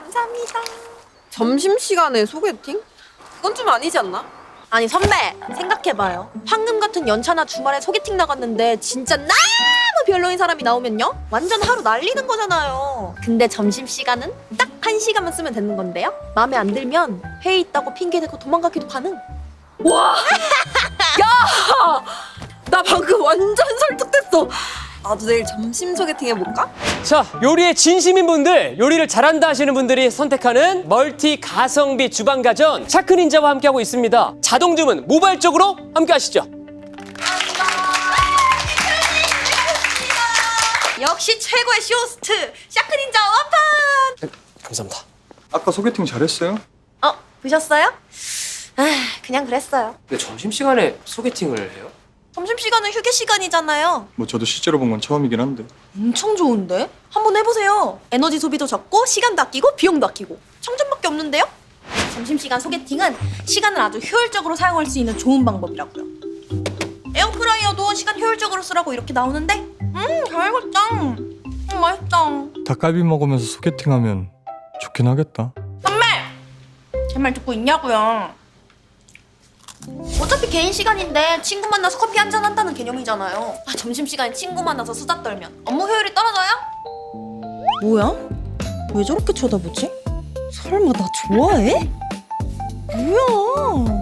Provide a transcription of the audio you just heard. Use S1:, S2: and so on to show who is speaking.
S1: 감사합니다.
S2: 점심시간에 소개팅? 그건 좀 아니지 않나?
S1: 아니 선배 생각해봐요. 황금 같은 연차나 주말에 소개팅 나갔는데 진짜 너무 별로인 사람이 나오면요? 완전 하루 날리는 거잖아요. 근데 점심시간은 딱 1시간만 쓰면 되는 건데요? 마음에 안 들면 회의 있다고 핑계대고 도망가기도 가능.
S2: 나 방금 완전 설득됐어. 나도 내일 점심 소개팅 해볼까?
S3: 자, 요리에 진심인 분들, 요리를 잘한다 하시는 분들이 선택하는 멀티 가성비 주방가전 샤크닌자와 함께하고 있습니다. 자동 주문 모바일적으로 함께 하시죠.
S1: 역시 최고의 쇼호스트 샤크닌자 완판!
S3: 감사합니다.
S4: 아까 소개팅 잘했어요?
S1: 보셨어요? 그냥 그랬어요.
S3: 근데 점심시간에 소개팅을 해요?
S1: 점심시간은 휴게 시간이잖아요.
S4: 뭐 저도 실제로 본 건 처음이긴 한데.
S1: 엄청 좋은데? 한번 해보세요. 에너지 소비도 적고 시간도 아끼고 비용도 아끼고 청점밖에 없는데요? 점심시간 소개팅은 시간을 아주 효율적으로 사용할 수 있는 좋은 방법이라고요. 에어프라이어도 시간 효율적으로 쓰라고 이렇게 나오는데 잘 익었다. 맛있다.
S4: 닭갈비 먹으면서 소개팅하면 좋긴 하겠다.
S1: 제 말 듣고 있냐고요. 어차피 개인 시간인데 친구 만나서 커피 한잔 한다는 개념이잖아요. 점심시간에 친구 만나서 수다 떨면 업무 효율이 떨어져요? 뭐야? 왜 저렇게 쳐다보지? 설마 나 좋아해? 뭐야?